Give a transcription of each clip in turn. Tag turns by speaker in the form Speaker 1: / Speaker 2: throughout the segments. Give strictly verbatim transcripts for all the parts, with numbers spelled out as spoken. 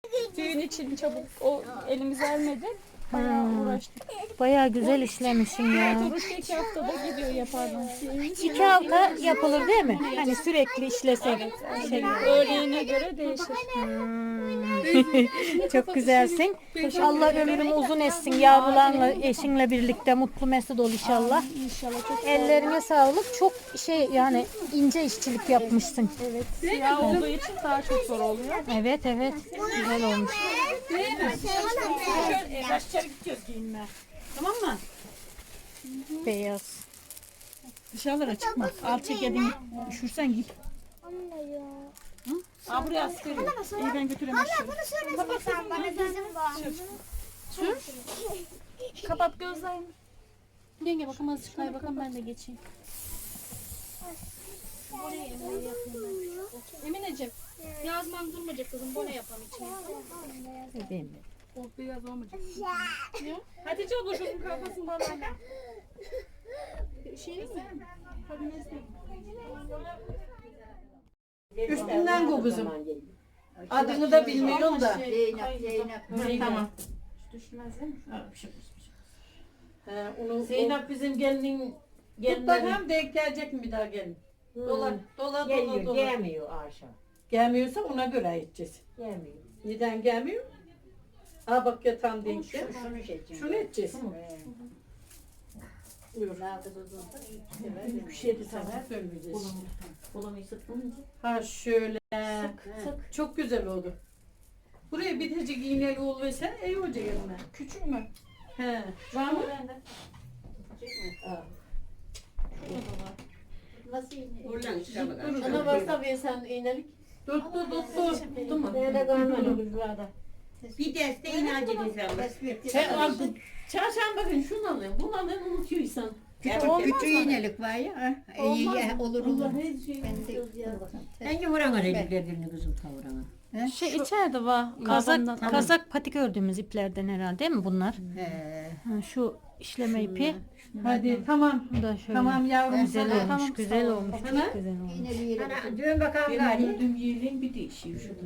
Speaker 1: Düğün için çabuk o elimize ermedi. Bayağı
Speaker 2: Hmm.
Speaker 1: uğraştık.
Speaker 2: Bayağı güzel işlemişsin ya.
Speaker 1: Oruç iki haftada gidiyor yaparlar.
Speaker 2: İki hafta yapılır değil mi? Hani sürekli işlesek. Şey.
Speaker 1: Öğleyine göre değişir.
Speaker 2: Hmm. Çok güzelsin. Allah ömrünü uzun etsin. Yavrularla, eşinle birlikte mutlu mesut ol inşallah.
Speaker 1: İnşallah çok
Speaker 2: Ellerine sağlık. Çok şey yani ince işçilik yapmışsın.
Speaker 1: evet. Siyah olduğu için daha çok zor oluyor.
Speaker 2: Evet evet. Güzel olmuş.
Speaker 3: Baş içeri gidiyoruz giyinmeye. Tamam mı?
Speaker 2: Beyaz.
Speaker 3: Dışarılara çıkma. Al çekedin. Üşürsen git. Hı? Aa buraya askerim. İyi ben götüreyim aşağı.
Speaker 4: Sen bana bizim var.
Speaker 1: Kapat gözlerini.
Speaker 2: Yenge bakalım azıcık kay bakalım ben de geçeyim.
Speaker 1: Emineciğim. Yazman durmayacak kızım. Bone yapalım içine.
Speaker 2: Bebeğim.
Speaker 1: Oh beyaz olmayacak. Ya. Hatice abla şunun kafasını bana ver. Şey mi? Hadi neyse.
Speaker 3: Üstünden bu kızım. Adını da bilmiyorum da.
Speaker 4: Zeynep, Zeynep.
Speaker 3: Tamam.
Speaker 1: Düşmez değil mi?
Speaker 3: Ha, bir şey olmaz, bir şey olmaz. He, onu,
Speaker 5: Zeynep bizim gelinin
Speaker 3: Tut bakalım denk gelecek mi bir daha gelin? Dola, dola, dola,
Speaker 5: geliyor,
Speaker 3: dola.
Speaker 5: gelmiyor aşağı.
Speaker 3: Gelmiyorsa ona göre edeceğiz.
Speaker 5: Gelmiyor.
Speaker 3: Neden gelmiyor? Ha bak yatan denk gel.
Speaker 4: Şunu seçin.
Speaker 3: Şunu edeceğiz. Buyur. Bir şey de sana söylemeyeceğiz.
Speaker 5: Kolamayı sıktın
Speaker 3: Ha şöyle. Çok güzel oldu. Buraya bitecek iğneli ol versen iyi olacak yanına.
Speaker 1: Küçük mü?
Speaker 3: He. Var mı?
Speaker 4: Nasıl yine?
Speaker 5: Buradan çıkamadan.
Speaker 3: Sana
Speaker 5: varsa ben sen iğnelik.
Speaker 3: Tuttu tuttu. Tuttu mu?
Speaker 5: Böyle kalmadı kızlarda. Bir derste iğne acedin sen.
Speaker 3: Sen al. Çarşamba günü şunu alın. Bunu alın unutuyorsan.
Speaker 4: Küçük iğnelik var ya. ha. İyi, iyi, olur olur. Ben de
Speaker 5: Hangi vurana renklerini kızım tavrana?
Speaker 2: Şey içeride var. Kazak, kazak patik ördüğümüz iplerden herhalde değil mi bunlar?
Speaker 4: He.
Speaker 2: Ha, şu işleme ipi.
Speaker 3: Hadi tamam.
Speaker 2: Bu da şöyle.
Speaker 3: Tamam yavrum.
Speaker 2: Güzel
Speaker 3: sana.
Speaker 2: olmuş,
Speaker 3: Tamam,
Speaker 2: güzel
Speaker 3: sağ ol.
Speaker 2: olmuş,
Speaker 3: Sana.
Speaker 2: çok güzel olmuş.
Speaker 4: İğneli
Speaker 5: Ana dön bakalım
Speaker 3: Benim
Speaker 5: gari.
Speaker 3: ördüğüm yerin bir değişiyor şurada.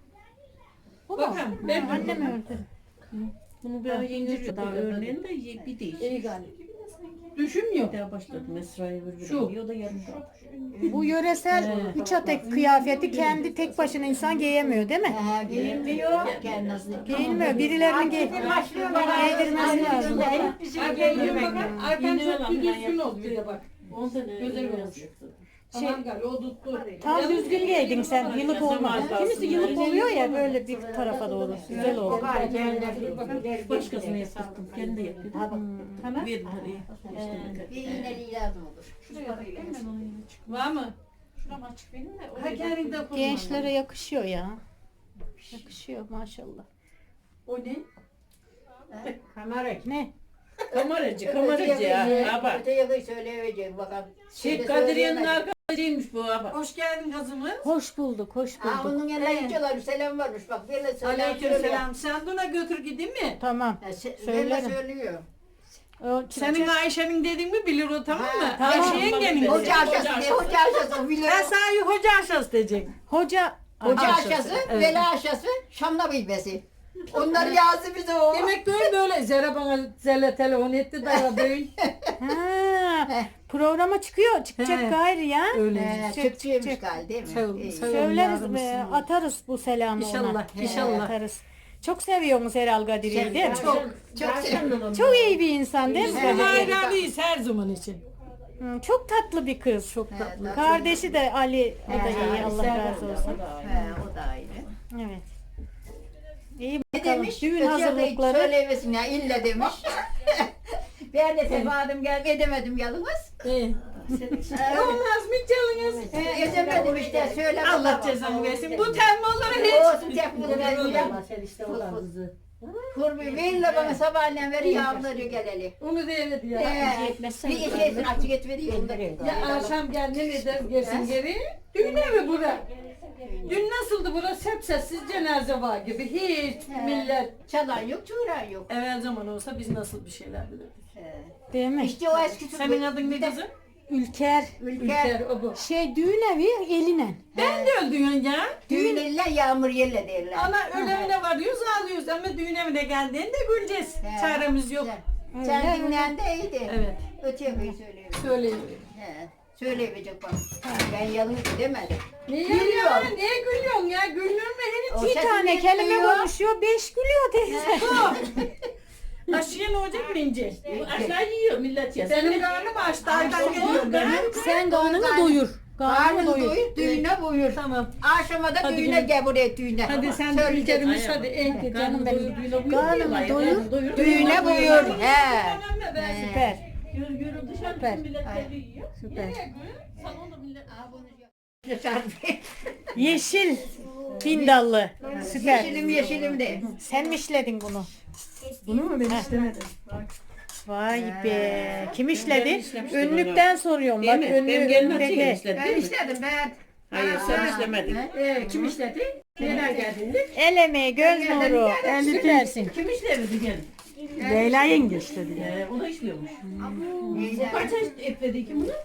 Speaker 2: Bu mu?
Speaker 3: Bakın ben
Speaker 2: Ha, annem ördü.
Speaker 3: Bunu ben yeni daha örneğin de ye- bir değişiyor. İyi galiba. Düşünmüyor.
Speaker 5: Daha başladım Esra'yı vur.
Speaker 3: Şu.
Speaker 5: O da yarım.
Speaker 2: Bu yöresel üç atek kıyafeti kendi tek başına insan giyemiyor değil mi?
Speaker 4: Ha, giyinmiyor. Kendisi.
Speaker 2: Giyinmiyor. Birilerinin giy giydirmesi lazım.
Speaker 3: Arkaya bakın. Arkan çok bir düzgün oldu bir de bak.
Speaker 5: on sene
Speaker 3: Güzel
Speaker 5: öyle
Speaker 3: olmuş.
Speaker 5: yaptı.
Speaker 3: Tamam galiba o tuttu.
Speaker 2: Tam düzgün giydin sen. Yılık olmadı. Kimisi yılık oluyor ya böyle bir tarafa doğru. Güzel oldu.
Speaker 5: Başkasına yaptım. Kendi yaptım.
Speaker 3: Tamam.
Speaker 5: Verin hadi.
Speaker 4: Bir iğneliği lazım olur.
Speaker 3: Var mı?
Speaker 1: Şuram açık benim de.
Speaker 3: Ha kendin de kullan.
Speaker 2: Gençlere yakışıyor ya. Yakışıyor maşallah.
Speaker 3: O ne?
Speaker 5: Kamera.
Speaker 2: Ne?
Speaker 3: Kameracı, kameracı ya. Ha bak.
Speaker 4: Öteye söyleyeceğim bakalım.
Speaker 3: Şey Kadriye'nin arkadaşıymış bu ha bak. Hoş geldin kızımız.
Speaker 2: Hoş bulduk, hoş
Speaker 4: Aa,
Speaker 2: bulduk.
Speaker 4: onun yanına gidiyorlar. Selam varmış. Bak böyle selam
Speaker 3: Aleyküm
Speaker 4: söyle.
Speaker 3: selam. Sen buna götür gideyim mi?
Speaker 2: Tamam.
Speaker 4: Ha, se-
Speaker 2: Söylerim.
Speaker 4: Böyle söylüyor.
Speaker 2: O
Speaker 3: Senin Ayşe'nin dediğin mi bilir o tamam mı?
Speaker 4: Ha,
Speaker 3: Ayşe yengenin.
Speaker 4: Hoca aşası ne hoca aşası o bilir.
Speaker 3: Ben sana hoca aşağısı diyecek.
Speaker 2: Hoca
Speaker 4: Hoca
Speaker 3: aşası,
Speaker 4: aşası,
Speaker 3: evet.
Speaker 4: veli aşası, Şamla bilmesi. Onlar yazdı bize o.
Speaker 3: Demek böyle böyle. Zera bana Zer'le telefon etti daha böyle.
Speaker 2: ha, programa çıkıyor, çıkacak
Speaker 3: He.
Speaker 2: gayri ya.
Speaker 3: Öyle.
Speaker 4: Ee,
Speaker 2: Çık,
Speaker 4: Türkçeymiş
Speaker 2: çık.
Speaker 4: galiba değil mi?
Speaker 3: Sağ ol,
Speaker 4: İyi.
Speaker 3: sağ ol.
Speaker 2: Söyleriz,
Speaker 3: yavrum,
Speaker 2: e,
Speaker 3: sağ ol.
Speaker 2: atarız bu selamı
Speaker 3: İnşallah,
Speaker 2: ona.
Speaker 3: inşallah.
Speaker 2: Atarız. Çok seviyorsunuz Herhal Kadriye'yi değil mi?
Speaker 4: Çok, çok seviyorum.
Speaker 2: Çok iyi bir insan değil mi?
Speaker 3: Biz
Speaker 2: Kadriye?
Speaker 3: hayranıyız her zaman için.
Speaker 2: Hı, çok tatlı bir kız. Çok
Speaker 4: He,
Speaker 2: tatlı.
Speaker 4: tatlı.
Speaker 2: Kardeşi de Ali, o da
Speaker 4: He,
Speaker 2: iyi. Allah
Speaker 3: Serkan
Speaker 2: razı
Speaker 3: da,
Speaker 2: olsun.
Speaker 3: o da aynı.
Speaker 4: He, o da aynı.
Speaker 2: Evet. İyi
Speaker 4: Ne
Speaker 2: bakalım.
Speaker 4: demiş?
Speaker 2: Düğün
Speaker 4: Öteye de
Speaker 2: hazırlıkları.
Speaker 4: Söylemesin ya illa demiş. Ben de tefadım gel edemedim yalnız.
Speaker 3: Ee, Olmaz mı canınız?
Speaker 4: He, edemedim işte söyle.
Speaker 3: Allah cezanı versin. Bu termoları hiç.
Speaker 4: Olsun tepkili vermiyor.
Speaker 5: Sen işte olan kızı.
Speaker 4: Kurbi verirle bana sabahleyin veri yavruları geleli.
Speaker 3: Onu da evet ya.
Speaker 4: He, bir işe açık et veriyor.
Speaker 3: Ya akşam gel ne eder gelsin geri. Dün ne mi bura? Dün nasıldı burası? Hep sessiz cenaze var gibi. Hiç millet.
Speaker 4: Çalan yok, çuğuran yok.
Speaker 3: Evvel zaman olsa biz nasıl bir şeyler bilirdik.
Speaker 4: He.
Speaker 2: Değil mi?
Speaker 4: İşte o eski
Speaker 3: Senin adın ne kızım?
Speaker 2: Ülker.
Speaker 4: Ülker.
Speaker 3: Ülker o bu.
Speaker 2: Şey düğün evi elinen.
Speaker 3: Ben de öldün ya.
Speaker 4: Düğün elle yağmur yelle derler.
Speaker 3: Ana ölevine bağırıyoruz, ağlıyoruz ama düğün evine geldiğinde güleceğiz.
Speaker 4: He.
Speaker 3: Çaremiz yok.
Speaker 4: Sen dinlen de iyiydi.
Speaker 3: Evet.
Speaker 4: Öteye koy söyleyeyim.
Speaker 3: Söyleyin.
Speaker 4: He. Söyleyecek bak. Ben yalnız demedim.
Speaker 3: Niye ya? Niye gülüyorsun ya? Gülür mü?
Speaker 4: O
Speaker 3: Henüz
Speaker 2: Bir
Speaker 4: sesini
Speaker 2: tane kelime
Speaker 4: duyuyor.
Speaker 2: konuşuyor, beş gülüyor teyze.
Speaker 3: Aşıya ne olacak mı İnce?
Speaker 5: Aşağı yiyor millet ya.
Speaker 3: Benim karnım açtı. Aydan geliyor benim.
Speaker 2: Sen karnını doyur. Karnını
Speaker 4: Karnın
Speaker 2: doyur.
Speaker 4: doyur, düğüne buyur.
Speaker 3: Tamam.
Speaker 4: Akşama da düğüne gel buraya düğüne.
Speaker 3: Hadi sen de
Speaker 4: Söyle.
Speaker 3: ülkerimiz hadi. En
Speaker 2: Canım benim.
Speaker 5: Karnını
Speaker 2: Karnını doyur.
Speaker 5: doyur.
Speaker 4: Düğüne buyur. He.
Speaker 2: Süper.
Speaker 5: Yürü yürü dışarı
Speaker 2: Süper.
Speaker 5: bütün milletleri yiyor.
Speaker 2: Süper.
Speaker 5: Salonda millet.
Speaker 2: Yeşil bindallı. Süper.
Speaker 4: Yeşilim yeşilim de.
Speaker 2: Sen mi işledin bunu?
Speaker 3: Bunu mu ben istemedim?
Speaker 2: Vay be. Kim işledi? Önlükten soruyorum. Bak önlüğü
Speaker 5: Benim gelinim
Speaker 2: önlüğü.
Speaker 5: işledi
Speaker 4: Ben
Speaker 5: değil mi?
Speaker 4: istedim ben.
Speaker 5: Hayır sen işlemedin.
Speaker 3: Ee, kim işledi? Neler geldiğinde?
Speaker 2: El emeği, göz nuru. Süpersin.
Speaker 5: Kim işlemedi gelin?
Speaker 3: Leyla yenge işledi.
Speaker 5: Ee, o da işliyormuş.
Speaker 4: Neyse.
Speaker 5: Kaç yaş ekledi ki bunu?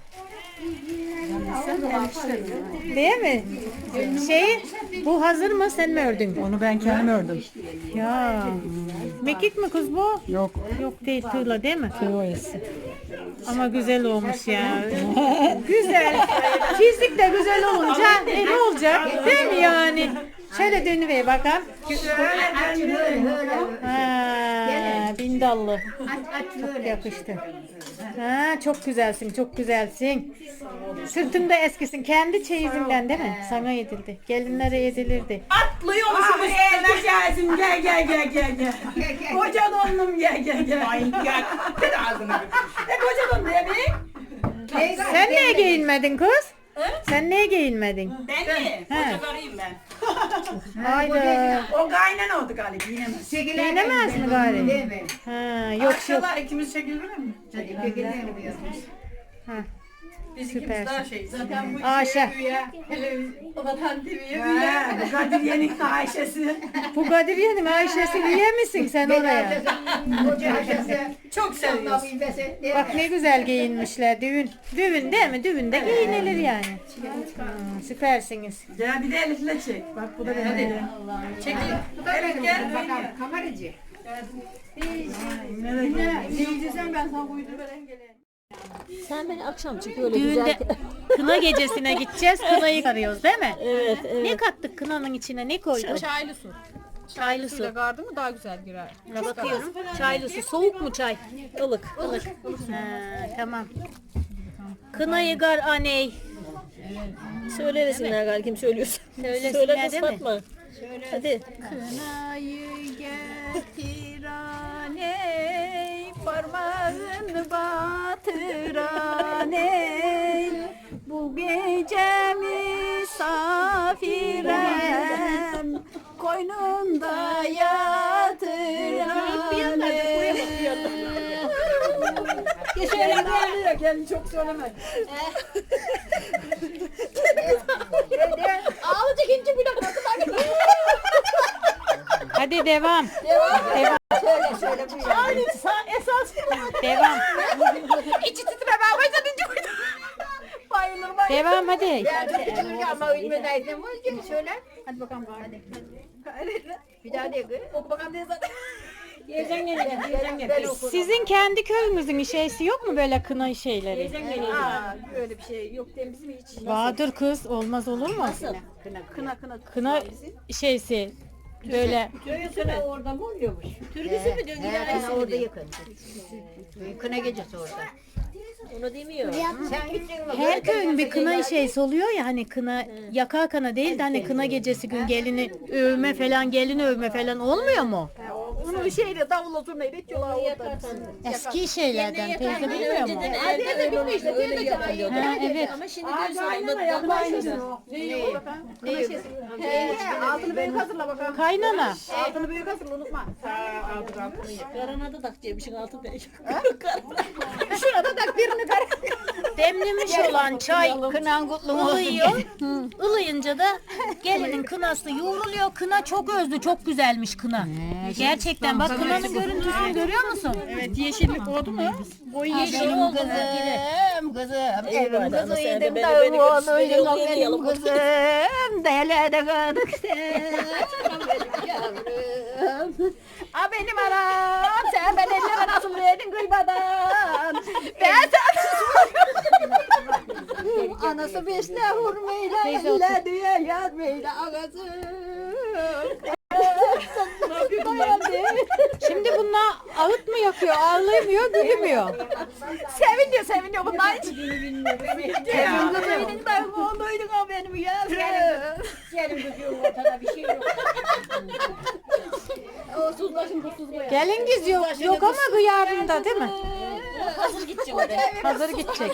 Speaker 2: Değil mi? Şey, bu hazır mı? Sen mi ördün?
Speaker 3: Onu ben kendim ördüm.
Speaker 2: Ya. Mekik mi kız bu?
Speaker 3: Yok.
Speaker 2: Yok değil, tığla değil mi?
Speaker 3: Kıymayız.
Speaker 2: Ama güzel olmuş ya. Güzel. Fizik de güzel olunca e, ne olacak? Değil mi yani? Şöyle dönüver bakalım.
Speaker 4: Aç böyle böyle.
Speaker 2: Ha, bindallı.
Speaker 4: Aç aç böyle.
Speaker 2: Yakıştı. Ha, çok güzelsin, çok güzelsin. Sırtında eskisin. Kendi çeyizinden değil mi? Sana yedildi. Gelinlere yedilirdi.
Speaker 3: Atlıyormuşum üstüne gelsin. Gel gel gel gel gel. Koca donlum gel gel gel. Ay gel. Bir ağzını. E koca don diye bir.
Speaker 2: Sen niye giyinmedin kız? Sen niye giyinmedin?
Speaker 3: Ben mi?
Speaker 2: He.
Speaker 3: Kocalarıyım ben.
Speaker 2: Hayda.
Speaker 3: O kaynan oldu galiba. Yiyemez.
Speaker 2: Giyinemez mi gari?
Speaker 4: Değil mi?
Speaker 2: Ha, yok yok.
Speaker 3: Akşamlar ikimiz çekilir mi?
Speaker 4: Hadi pekilerini bir yapmış.
Speaker 2: Ha.
Speaker 3: Biz
Speaker 2: Süpersin.
Speaker 3: ikimiz daha şey. Zaten bu
Speaker 2: Aşa.
Speaker 3: o Vatan T V'ye üye. Bu Kadriye'nin Ayşe'si.
Speaker 2: Bu Kadriye'nin Ayşe'si üye misin sen oraya?
Speaker 4: Koca aşası.
Speaker 3: Çok seviyoruz.
Speaker 2: Bak ne güzel giyinmişler. Düğün. Düğün değil mi? Düğünde giyinilir yani. Hmm, süpersiniz.
Speaker 3: Gel bir de Elif'le çek. Bak bu da benim. Hadi. Çekil. Elif gel.
Speaker 4: Bakalım kameracı.
Speaker 3: Diyeceğim ben sana uydur veren geleyim.
Speaker 6: Sen beni akşam çık öyle
Speaker 2: Düğünde
Speaker 6: güzel.
Speaker 2: kına gecesine gideceğiz. Kınayı arıyoruz değil mi?
Speaker 6: Evet, evet.
Speaker 2: Ne kattık kınanın içine? Ne koyduk?
Speaker 1: Çaylı su.
Speaker 2: Çaylı su.
Speaker 1: Suyla gardı mı daha güzel girer.
Speaker 2: Bakıyorum. Çaylı su. Soğuk mu çay? Ilık. Ilık. Ha, tamam. Kınayı gar aney.
Speaker 6: Söylemesinler galiba kim söylüyorsa.
Speaker 2: Söylesinler
Speaker 6: Söyle kız
Speaker 2: değil mi?
Speaker 6: Fatma. Hadi.
Speaker 2: Kınayı getir aney, parmağını batır aney. Bu gece misafirem, koynunda yatır aney.
Speaker 3: Şöyle gel gel çok söyleme.
Speaker 6: Ağlayacak ince bir dakika.
Speaker 2: Hadi devam. Devam.
Speaker 4: Şöyle şöyle bu ya.
Speaker 3: Esas
Speaker 2: Devam.
Speaker 3: içi titremeye başladı. Bayılır bayılır.
Speaker 2: Devam hadi.
Speaker 4: Yani küçülük ama ünlüdeydim. Şöyle. Hadi bakalım. Hadi. Bir daha de.
Speaker 3: Oku bakalım diye zaten.
Speaker 6: Yerden gelecek. Yerden
Speaker 4: Ben
Speaker 6: gelecek.
Speaker 4: okurum.
Speaker 2: Sizin kendi köyümüzün şeysi yok mu böyle kına şeyleri?
Speaker 6: Yerden gelecek.
Speaker 3: Aa, öyle bir şey yok değil bizim hiç.
Speaker 2: Vardır kız, olmaz olur mu?
Speaker 3: Kına kına.
Speaker 2: Kına şeysi böyle
Speaker 6: Türküsü orada mı oluyormuş? Türküsü mü diyor?
Speaker 4: He, kına orada yakın. Kına gecesi orada.
Speaker 6: Onu demiyor.
Speaker 4: Sen gittin mi?
Speaker 2: her köyün bir kına şeysi oluyor ya hani kına yaka kana değil de hani kına gecesi gün gelini övme falan gelini övme falan olmuyor mu?
Speaker 3: Onu şeyle davulla zurnayla itiyorlar orada.
Speaker 2: Eski şeylerden teyze bilmiyor mu?
Speaker 6: Önceden elde öyle olmuş. Öyle yapılıyordu.
Speaker 2: Ha, evet.
Speaker 6: Ama şimdi göz almadı. Yapmayın.
Speaker 3: Altını büyük hazırla bakalım.
Speaker 2: Kaynana.
Speaker 3: Altını büyük hazırla unutma.
Speaker 6: Karanada tak diyemişsin altı beş.
Speaker 3: Şurada da birini kar.
Speaker 2: Demlemiş olan çay
Speaker 4: Kınan kutlu olsun.
Speaker 2: ılıyor. Ilıyınca da gelinin kınası yoğruluyor. Kına çok özlü, çok güzelmiş kına. Gerçekten bak kınanın görüntüsünü görüyor musun?
Speaker 3: Evet yeşillik oldu mu? Boy yeşil.
Speaker 4: Benim kızım, kızım, evim
Speaker 6: Eyvallah,
Speaker 4: kızı
Speaker 6: ama sen de
Speaker 4: yedim
Speaker 6: beni-
Speaker 4: tavuğu
Speaker 6: beni götür- beni
Speaker 4: oğluydum
Speaker 6: yok
Speaker 4: benim
Speaker 6: yiyalım.
Speaker 4: kızım, dele de kadık sen, benim yavrum. A benim anam, sen ben ellere nasıl verdin kıymadan? Ben sana anası besle hurmayla, elle diye yazmayla ağası.
Speaker 2: Şimdi bunlar ağıt mı yakıyor, ağlayamıyor, gülmüyor.
Speaker 4: Seviniyor, seviniyor bunlar hiç. Evin kızıydın da oğluydun o benim yavrum.
Speaker 5: Gelin kızıyorum ortada bir şey yok. O suzlaşın bu suz koyar.
Speaker 2: Gelin giz yok, yok ama gıyabında değil mi?
Speaker 6: Hazır gidecek oraya.
Speaker 2: Hazır gidecek.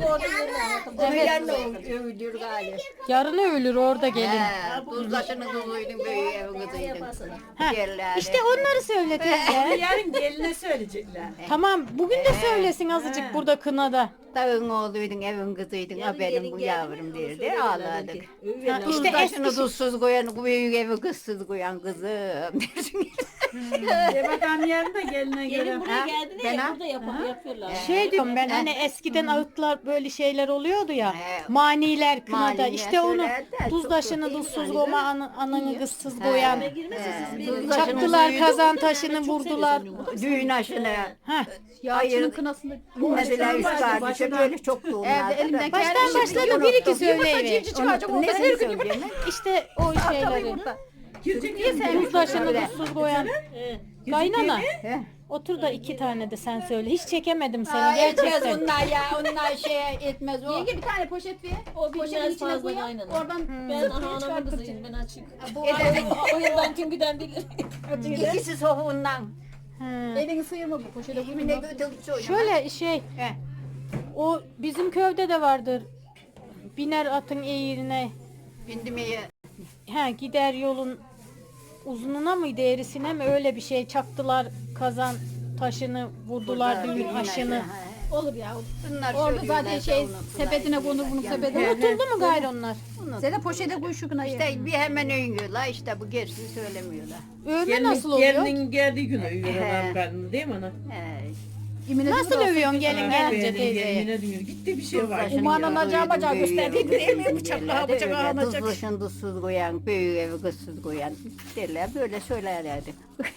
Speaker 4: Onu yerine övülür galiba.
Speaker 2: Yarın ölür orada gelin.
Speaker 4: Tuzlaşını tuzluydun böyle evin kızıydın.
Speaker 2: Ha,
Speaker 4: Yerlerde.
Speaker 2: İşte onları söyle teyze.
Speaker 3: Yarın geline söyleyecekler.
Speaker 2: Tamam, bugün de söylesin azıcık burada kınada.
Speaker 4: Dağın oğluydun, evin kızıydın, ha benim bu yavrum derdi, ağladık.
Speaker 2: Ha,
Speaker 4: İşte
Speaker 2: işte
Speaker 4: taşını
Speaker 2: eski
Speaker 4: tuzsuz koyan, büyük evi kızsız koyan kızım dersin.
Speaker 3: De bakalım yarın da geline göre.
Speaker 6: Gelin buraya geldi
Speaker 4: ben
Speaker 6: de
Speaker 4: ha?
Speaker 6: burada yap yapıyorlar.
Speaker 2: şey diyorum ben hani eskiden ağıtlar böyle şeyler oluyordu ya.
Speaker 4: He.
Speaker 2: Maniler kınada.
Speaker 4: Maniler
Speaker 2: İşte onu
Speaker 4: söyler de
Speaker 2: tuz
Speaker 4: çok
Speaker 2: taşını
Speaker 4: kötü
Speaker 2: tuzsuz
Speaker 4: yani.
Speaker 2: koyma, ana- ananı kızsız koyan.
Speaker 4: Tuzlaşını
Speaker 2: Çaktılar kazan taşını vurdular.
Speaker 4: düğün aşını.
Speaker 2: Ha.
Speaker 4: Hayır, mesela üst kardeşe böyle çok doğumlardı. da.
Speaker 2: Baştan başladı bir iki söyleyiver.
Speaker 4: Unuttum, ne söyleyeceğim?
Speaker 2: İşte o şeyleri. Tuz taşını tuzsuz koyan. Kaynana.
Speaker 4: He.
Speaker 2: Otur da iki tane de sen söyle. Hiç çekemedim seni
Speaker 4: Ay, etmez
Speaker 2: gerçekten.
Speaker 4: onlar ya, onlar şey etmez o.
Speaker 5: Yenge bir tane poşet ver.
Speaker 6: O
Speaker 5: Poşetin
Speaker 6: bilmez
Speaker 5: içine
Speaker 6: fazla
Speaker 5: koyalım.
Speaker 6: aynen.
Speaker 5: Oradan
Speaker 6: Ben aha anamın kızıyım ben açık.
Speaker 4: Bu
Speaker 6: O yıldan kim giden bilir.
Speaker 4: ikisi soğuğundan.
Speaker 2: Ha.
Speaker 5: elini sıyırma bu poşete
Speaker 4: Kimine
Speaker 5: koyma.
Speaker 4: götürdü çocuğu.
Speaker 2: Şöyle şey.
Speaker 4: He.
Speaker 2: O bizim köyde de vardır. Biner atın eğrine.
Speaker 4: Bindim ya.
Speaker 2: He gider yolun uzununa mıydı eğrisine mi öyle bir şey çaktılar kazan taşını vurdular düğün aşını.
Speaker 5: Olur ya.
Speaker 4: Bunlar
Speaker 5: Orada
Speaker 4: söylüyorlar
Speaker 5: zaten
Speaker 4: da
Speaker 5: şey
Speaker 4: unuttular.
Speaker 5: sepetine konur bunun sepetine.
Speaker 2: Unutuldu mu gayrı onlar?
Speaker 5: Sen de poşete koy şu kınayı.
Speaker 4: İşte bir hemen övüyorlar, işte bu gerisini söylemiyorlar.
Speaker 2: Övme nasıl oluyor?
Speaker 3: Gelinin geldiği gün övüyor
Speaker 4: He.
Speaker 3: adam karnını değil mi ana?
Speaker 4: He.
Speaker 5: İmine
Speaker 2: Nasıl övüyorsun gelin
Speaker 3: Ha,
Speaker 2: gelince
Speaker 3: beğenin,
Speaker 2: teyzeye?
Speaker 3: gelinine diyor. Gitti bir şey var.
Speaker 4: Tuzlaşını
Speaker 5: Umanın
Speaker 4: yiyor,
Speaker 5: acağı bacağı
Speaker 4: büyüğü
Speaker 5: gösterdi.
Speaker 4: evi
Speaker 5: Değil mi?
Speaker 4: kızıydın
Speaker 5: Bıçakla
Speaker 4: derler,
Speaker 5: bıçağı
Speaker 4: böyle
Speaker 5: alacak.
Speaker 4: Tuzlaşını tuzsuz koyan, büyük evi kızsız koyan derler, böyle söylerlerdi.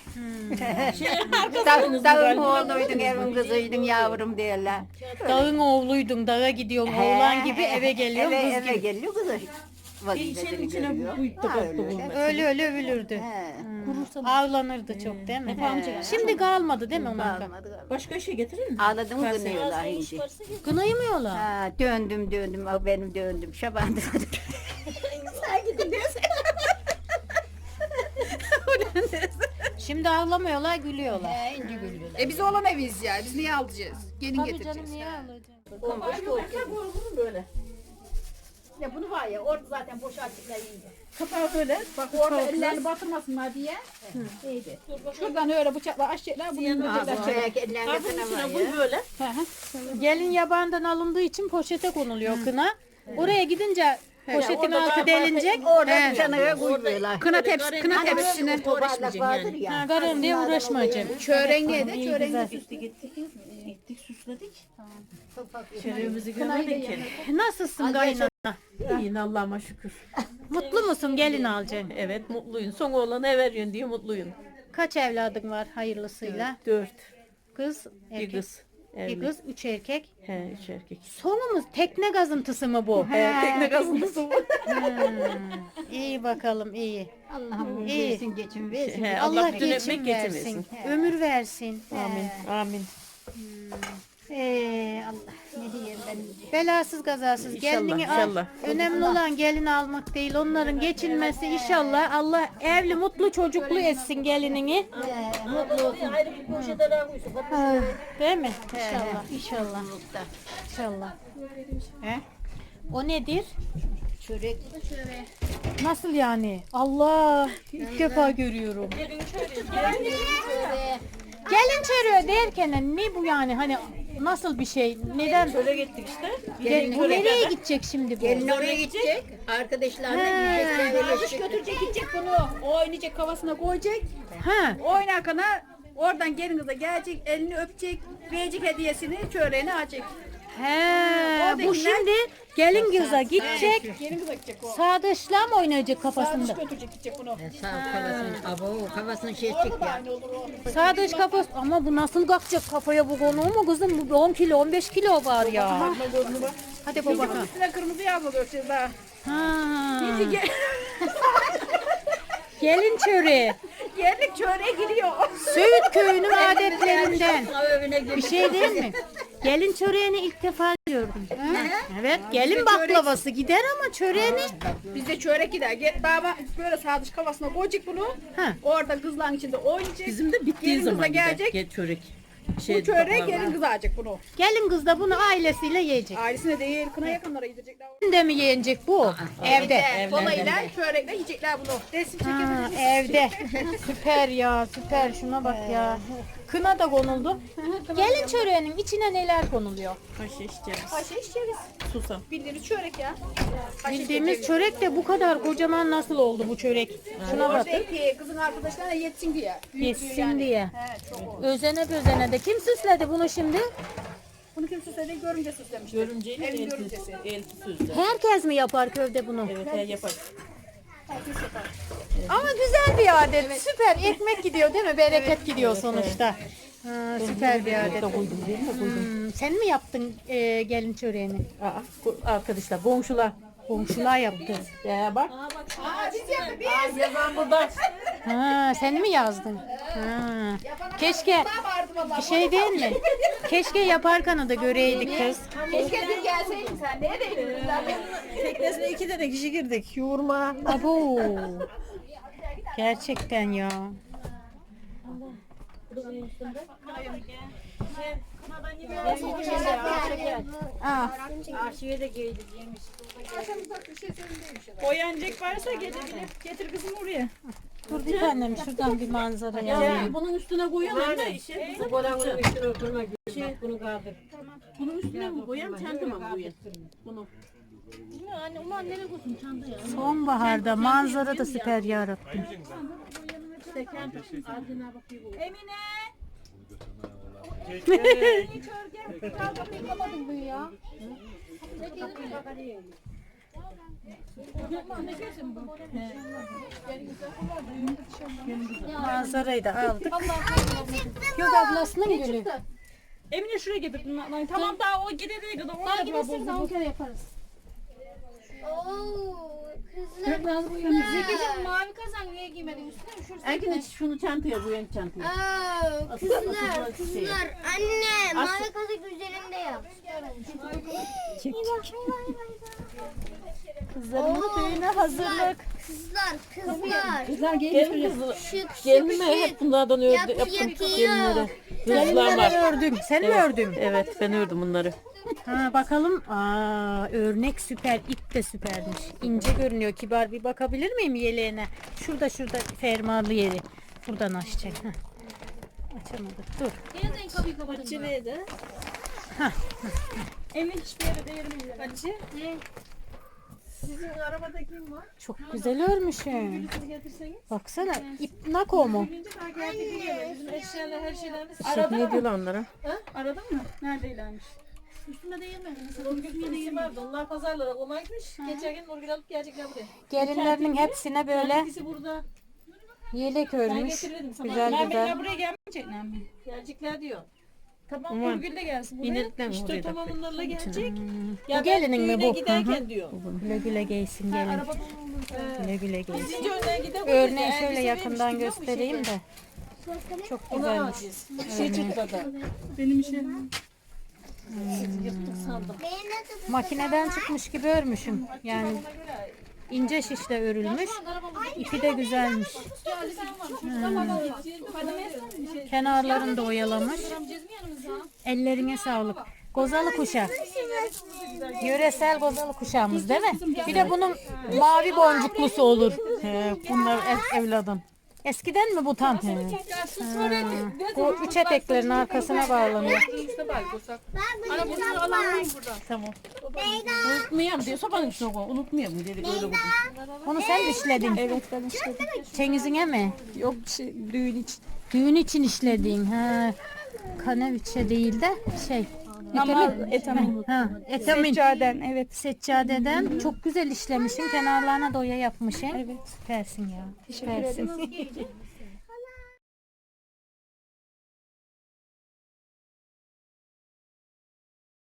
Speaker 6: Şey
Speaker 4: Dağ- Dağın oğluydun, evin kızıydın yavrum derler.
Speaker 2: Dağın oğluydun dağa gidiyorsun oğlan gibi eve geliyorsun
Speaker 4: eve,
Speaker 2: kız
Speaker 4: eve
Speaker 2: gibi.
Speaker 4: geliyor kızı.
Speaker 3: İçinin
Speaker 4: Vazifesini
Speaker 3: içine
Speaker 4: görüyor.
Speaker 3: bu yükte
Speaker 4: Ha,
Speaker 3: koptu
Speaker 4: öyle.
Speaker 3: bunlar.
Speaker 2: Öyle öyle övülürdü.
Speaker 4: He.
Speaker 2: Hmm. Ağlanırdı çok değil mi? Şimdi kalmadı değil mi onlar?
Speaker 4: Kalmadı, kalmadı.
Speaker 3: Başka şey getirir mi?
Speaker 4: Ağladım mı kınıyorlar şimdi.
Speaker 2: Kınayımıyorlar.
Speaker 4: Ha, döndüm döndüm, ah benim döndüm, şaban döndüm.
Speaker 2: Şimdi ağlamıyorlar gülüyorlar.
Speaker 4: He, ince gülüyorlar.
Speaker 5: E biz oğlan eviyiz ya. Biz niye alacağız? Gelin
Speaker 2: Tabii
Speaker 5: getireceğiz.
Speaker 2: canım niye ağlayacaksın?
Speaker 3: Böyle.
Speaker 5: Ya bunu var ya orada zaten boş açıkla yiyince.
Speaker 3: Kapağı böyle.
Speaker 5: Bak orada ellerini batırmasınlar diye. İyiydi. Şuradan öyle bıçakla açacaklar. Bunu indirecekler.
Speaker 4: Çayak ellerine
Speaker 3: Kabın
Speaker 4: sana
Speaker 3: içine
Speaker 4: var
Speaker 3: koy
Speaker 4: ya.
Speaker 3: böyle.
Speaker 2: Gelin yabandan alındığı için poşete konuluyor kına. Oraya gidince poşetin altı delinecek.
Speaker 4: Orada bıçağına koyuyorlar.
Speaker 5: Kına tepsi, kına tepsisine.
Speaker 4: Toparlak vardır ya.
Speaker 2: Ha, garın diye uğraşmayacağım.
Speaker 5: Çöreğe de
Speaker 2: İyi,
Speaker 5: çöreğe
Speaker 2: güzel.
Speaker 3: Gittik gittik süsledik.
Speaker 4: Topak
Speaker 3: Şerefimizi görmedik ki.
Speaker 2: Nasılsın kaynana?
Speaker 3: İyi Allah'ıma şükür.
Speaker 2: Mutlu musun gelin alacaksın?
Speaker 3: Evet mutluyum. Son oğlanı veriyorsun diye mutluyum.
Speaker 2: Kaç evladın var hayırlısıyla?
Speaker 3: Dört.
Speaker 2: Kız,
Speaker 3: Bir
Speaker 2: erkek.
Speaker 3: kız.
Speaker 2: Bir
Speaker 3: Evli.
Speaker 2: kız, üç erkek.
Speaker 3: He üç erkek.
Speaker 2: Sonumuz tekne gazıntısı mı bu?
Speaker 3: He, tekne kazıntısı bu.
Speaker 2: İyi bakalım iyi.
Speaker 4: Allah'ım
Speaker 2: İyi.
Speaker 4: versin geçin versin.
Speaker 3: He,
Speaker 2: Allah,
Speaker 3: Allah
Speaker 2: geçim
Speaker 3: dönetmek
Speaker 2: versin.
Speaker 3: getirmesin.
Speaker 2: Ömür versin.
Speaker 3: Amin. Amin.
Speaker 4: Ee, Allah ne diyeyim ben.
Speaker 2: Belasız kazasız
Speaker 3: İnşallah,
Speaker 2: gelinini al.
Speaker 3: inşallah.
Speaker 2: Önemli olan gelin almak değil. Onların geçinmesi inşallah. Allah evli mutlu çocuklu etsin gelinini.
Speaker 4: Ee, mutlu olsun.
Speaker 6: Ayrı bir poşete daha koysun.
Speaker 2: Değil mi? İnşallah. İnşallah.
Speaker 4: Mutlulukta.
Speaker 2: İnşallah. He? O nedir?
Speaker 4: Çörek.
Speaker 2: Nasıl yani? Allah! İlk defa görüyorum. Gelin çörüğü derken ne bu yani? Hani nasıl bir şey? Neden?
Speaker 3: Şöyle gittik işte.
Speaker 2: Ge- bu nereye gidecek şimdi bu?
Speaker 4: Gelin oraya gidecek. Arkadaşlarla yiyecekler.
Speaker 5: Alış
Speaker 4: Öleşecek.
Speaker 5: götürecek gidecek bunu. O oynayacak kafasına koyacak.
Speaker 2: Ha.
Speaker 5: Oynarken oradan gelin kıza gelecek. Elini öpecek. Verecek hediyesini çöreğini açacak.
Speaker 2: He, bu şimdi gelin kıza gidecek.
Speaker 5: Gelin kıza gidecek o.
Speaker 2: Sağdaşla mı oynayacak
Speaker 5: Sağ
Speaker 2: kafasında?
Speaker 5: dış götürecek gidecek bunu.
Speaker 3: Sağ kafasını, abo kafasını şey
Speaker 5: Orada
Speaker 3: çek
Speaker 5: da
Speaker 3: ya.
Speaker 5: aynı olur o.
Speaker 2: Sağdaş kafası ama bu nasıl kalkacak kafaya bu konu mu kızım? Bu on kilo on beş kilo var ya. Hadi baba.
Speaker 5: Bunun üstüne kırmızı yağmur göreceğiz daha.
Speaker 2: Ha. Gelin çöreği.
Speaker 5: Yerlik çöreğe giriyor.
Speaker 2: Söğüt köyünün adetlerinden.
Speaker 3: Evine
Speaker 2: Bir şey değil mi? Gelin çöreğini ilk defa gördüm. Evet, gelin baklavası gider ama çöreğini.
Speaker 5: Bizde çörek gider. Gel baba böyle sağ dış kafasına koyacak bunu.
Speaker 2: Ha.
Speaker 5: Orada kızların içinde oynayacak.
Speaker 6: Bizim de bittiği
Speaker 5: Gelin kıza
Speaker 6: zaman gider.
Speaker 5: gelecek.
Speaker 6: Ge- çörek.
Speaker 5: Bu
Speaker 6: Şey,
Speaker 5: çörek
Speaker 6: baklava.
Speaker 5: gelin kız alacak bunu.
Speaker 2: Gelin kız da bunu ailesiyle yiyecek.
Speaker 5: Ailesine değil kına yakınlara yedirecekler.
Speaker 2: Evde mi yenecek bu? Evde.
Speaker 5: Kolayla çörekle yiyecekler bunu. Resim
Speaker 2: Ha,
Speaker 5: çekebiliriz.
Speaker 2: evde. Süper ya, süper. Şuna bak ya. Kına da konuldu. Gelin çöreğinin içine neler konuluyor?
Speaker 6: Haşiş, ceviz,
Speaker 5: Ayşe içeriz.
Speaker 6: susam.
Speaker 5: Bildiğiniz çörek ya.
Speaker 2: Bildiğimiz çörek de bu kadar kocaman nasıl oldu bu çörek? Şuna bak.
Speaker 5: Belki kızın arkadaşlarına yetsin diye. Büyüklüğü
Speaker 2: Yetsin
Speaker 5: yani.
Speaker 2: diye.
Speaker 5: He, çok oldu.
Speaker 2: Özene bözene de kim süsledi bunu şimdi?
Speaker 5: Bunu kim süsledi? Görümce süslemişti.
Speaker 6: Görümceyle
Speaker 5: Evin
Speaker 6: elti,
Speaker 5: görümcesi.
Speaker 6: elti sözde.
Speaker 2: Herkes mi yapar köyde bunu?
Speaker 6: Evet, he yapar.
Speaker 5: Herkes yapar.
Speaker 2: Ama güzel bir adet. Süper. Ekmek gidiyor değil mi? Bereket gidiyor sonuçta. Ha, süper bir adet.
Speaker 6: Koydum değil mi? Koydum.
Speaker 2: Hmm, sen mi yaptın e, gelin çöreğini?
Speaker 6: Aa, ko- arkadaşlar, komşular.
Speaker 2: Komşular yaptı.
Speaker 6: Ya bak.
Speaker 5: Aa biz yaptık biz.
Speaker 6: Yazan burada.
Speaker 2: Ha, sen mi yazdın? Ha. Keşke
Speaker 5: Vardı vallahi.
Speaker 2: bir şey değil mi? Keşke yaparken da göreydik kız.
Speaker 5: Keşke dün gelseydin sen. Neredeydin kızlar?
Speaker 6: Teknesine iki tane kişi girdik. Yoğurma.
Speaker 2: Abo. Gerçekten ya. Aa,
Speaker 5: Boyancak varsa gelebilir. Getir kızım oraya.
Speaker 2: dur bir tanem şuradan bir manzara ya.
Speaker 6: Ya, bunun üstüne koyalım da işe. Bu boranın üstüne oturma. Şey, bunu kaldır. Bunun üstüne mi koyalım, çanta mı koyalım? Bunu.
Speaker 1: Anne ulan nereye koysun çanta ya?
Speaker 2: Sonbaharda manzara da süper yarattın.
Speaker 5: Emine.
Speaker 2: Manzarayı da aldık. Yok ablasının gülü.
Speaker 5: Emine şuraya getir. Tamam daha o gidene kadar. Daha gidersiniz daha on kere yaparız.
Speaker 7: Oo, kızlar.
Speaker 1: Zekicim mavi kazan niye giymedin üstüne üşürsün.
Speaker 6: Erkin şunu çantaya koyalım çantaya.
Speaker 7: Aa, kızlar, kızlar. Anne, mavi kazak üzerinde yap.
Speaker 2: Kızlarımın düğüne hazırlık.
Speaker 7: Kızlar, kızlar.
Speaker 6: Kızlar gelin kızı.
Speaker 7: Şık, şık,
Speaker 6: Gelin mi? Hep
Speaker 7: şık.
Speaker 6: bunlardan ördü.
Speaker 7: Yap-
Speaker 6: Yaptım
Speaker 7: yakıyor.
Speaker 6: gelinlere. Kızlar
Speaker 2: Gelinleri
Speaker 6: var.
Speaker 2: ördüm. Sen mi ördün?
Speaker 6: Evet, ben ördüm bunları.
Speaker 2: Ha bakalım. Aa örnek süper. İp de süpermiş. İnce görünüyor. Kibar bir bakabilir miyim yeleğine? Şurada şurada fermuarlı yeri. Buradan açacak. Heh. Açamadık. Dur.
Speaker 1: Yeniden kapıyı kapatın.
Speaker 6: Çileği de.
Speaker 5: Emin hiçbir yere değirmeyin. Hacı. Sizin arabada kim var?
Speaker 2: Çok güzel örmüşsün.
Speaker 5: Siz getirseniz.
Speaker 2: Baksana. İp nako mu?
Speaker 5: Birinci daha geldi gidiyorlar. Bizim eşyalar her şeylerimiz.
Speaker 6: Ne diyorlar onlara?
Speaker 5: Aradın mı? Neredeylermiş?
Speaker 1: Üstüme değirmedin.
Speaker 5: Nurgül'ün yeri vardı. Onlar pazarlara koymakmış. Geçen gün Nurgül alıp gelecekler buraya.
Speaker 2: Gelinlerinin hepsine böyle
Speaker 5: İkisi burada.
Speaker 2: yelek
Speaker 5: Ben
Speaker 2: örmüş.
Speaker 5: getirirdim sana.
Speaker 2: Güzel
Speaker 5: ben
Speaker 2: güzel.
Speaker 5: Ben buraya gelmeyecekler mi? Gelecekler diyor. Tamam Nurgül de gelsin buraya.
Speaker 6: İnelikten mi
Speaker 5: İşte
Speaker 6: oraya
Speaker 5: tamam
Speaker 6: da?
Speaker 5: onlarla gelecek.
Speaker 2: Bu gelinin mi bu?
Speaker 5: Giderken diyor.
Speaker 2: Güle güle giysin gelin.
Speaker 5: Araba
Speaker 2: Güle güle giysin.
Speaker 5: Sizce önden gidelim.
Speaker 2: Örneği şöyle yakından göstereyim de. Çok
Speaker 5: Ona
Speaker 2: güzelmiş.
Speaker 5: alacağız. Şey çıktı da.
Speaker 1: Benim işe.
Speaker 7: Benim de
Speaker 2: Makineden çıkmış gibi örmüşüm. Yani ince şişle örülmüş. İpi de güzelmiş. Kenarlarını da oyalamış. Ellerine sağlık. Gozalı kuşak. Yöresel gozalı kuşağımız değil mi? Bir de bunun mavi boncuklusu olur. He, bunlar ev, evladım. Eskiden mi bu tam? He. Ha, bu üç eteklerin arkasına bağlanıyor.
Speaker 7: Ana bunu alalım.
Speaker 6: Tamam. Unutmayalım diyor. Sobanın üstüne koy. Unutmayalım dedik öyle bugün.
Speaker 2: Onu sen işledin. Evet ben işledim. Çengiz'ine mi?
Speaker 5: Yok şey düğün için.
Speaker 2: Düğün için işlediğin. Ha. Kaneviçe değil de şey.
Speaker 4: Ama
Speaker 2: Etamin.
Speaker 4: etamin.
Speaker 2: Ha, etamin.
Speaker 4: Seccaden evet.
Speaker 2: Seccadeden çok güzel işlemişsin. Kenarlarına da oya yapmışsın.
Speaker 4: Evet.
Speaker 2: Süpersin ya.
Speaker 4: Teşekkür
Speaker 2: Süpersin.